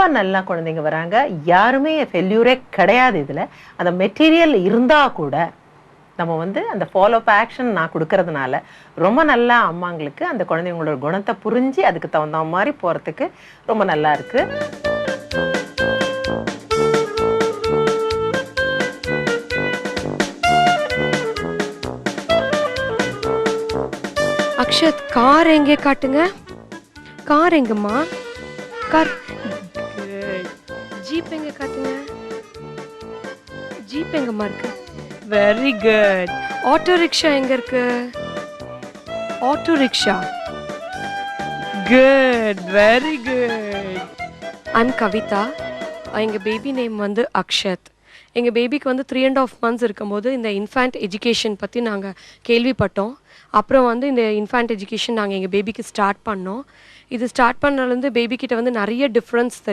நல்லா குழந்தைங்க வராங்க. யாருமே ஃபெயில்யூரே கிடையாது இதுல. அந்த மெட்டீரியல் இருந்தா கூட நம்ம வந்து அந்த ஃபாலோ அப் ஆக்ஷன் நான் குடுக்கறதுனால ரொம்ப நல்லா அம்மாங்களுக்கு அந்த குழந்தைங்களோட குணத்தை புரிஞ்சு அதுக்கு தகுந்த மாதிரி போறதுக்கு ரொம்ப நல்லா இருக்கு. அக்ஷத், கார் எங்கே காட்டுங்க. கார் எங்கம்மா? கார். ஜீப் எங்க காட்டுங்க. ஜீப் எங்கம்மா இருக்கு? Very good. ஆட்டோ ரிக்ஷா எங்க இருக்கு? Auto rickshaw. Good, very good. I'm Kavitha. எங்க பேபி நேம் வந்து அக்ஷத். எங்கள் பேபிக்கு வந்து 3.5 months இருக்கும்போது இந்த இன்ஃபேண்ட் எஜுகேஷன் பற்றி நாங்கள் கேள்விப்பட்டோம். அப்புறம் வந்து இந்த இன்ஃபேண்ட் எஜுகேஷன் நாங்கள் எங்கள் பேபிக்கு ஸ்டார்ட் பண்ணோம். இது ஸ்டார்ட் பண்ணதுலேருந்து பேபிக்கிட்ட வந்து நிறைய டிஃப்ரென்ஸ்